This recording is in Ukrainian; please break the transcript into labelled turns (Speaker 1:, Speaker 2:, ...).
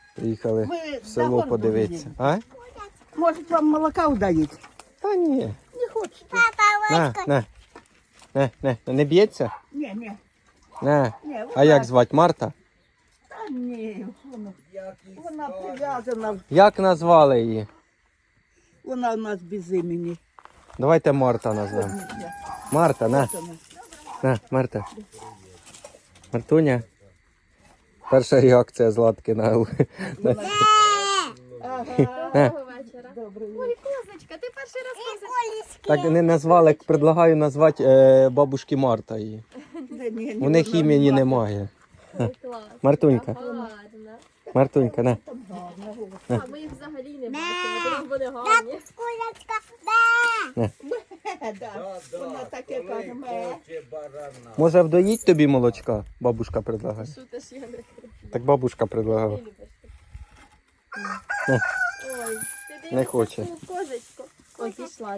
Speaker 1: Приїхали
Speaker 2: Ви
Speaker 1: в село
Speaker 2: загон
Speaker 1: подивитися.
Speaker 2: повинні.
Speaker 1: А?
Speaker 2: Може, вам молока вдають?
Speaker 1: Та ні.
Speaker 2: Не хочете?
Speaker 1: Не б'ється?
Speaker 2: Ні, ні.
Speaker 1: На.
Speaker 2: Ні,
Speaker 1: А як звати? Марта?
Speaker 2: Та ні, вона прив'язана.
Speaker 1: Як назвали її?
Speaker 2: Вона у нас без імені.
Speaker 1: Давайте Марта назвемо. Марта, на. На, Марта. Мартуня. Перша реакція Златки на
Speaker 2: Ага.
Speaker 3: Доброго вечора.
Speaker 2: Добре.
Speaker 3: Ой, козочка, ти перший раз козочка.
Speaker 1: Так не назвали, предлагаю назвати бабушки Марта її. У них імені немає.
Speaker 3: Ой, клас.
Speaker 1: Мартунька.
Speaker 3: Гарна.
Speaker 1: Мартунька, на.
Speaker 3: А ми їх взагалі не бачимо, тому вони гарні.
Speaker 2: Вона таке каже, ме.
Speaker 1: Може вдоїть тобі молочка? Бабушка предлагає.
Speaker 3: Шутиш, я не кричу.
Speaker 1: Так бабушка предлагала.
Speaker 3: Ти любиш таке.
Speaker 1: Не.
Speaker 3: Ой, ти
Speaker 1: Не хоче.
Speaker 3: козочку. Ой, пішла.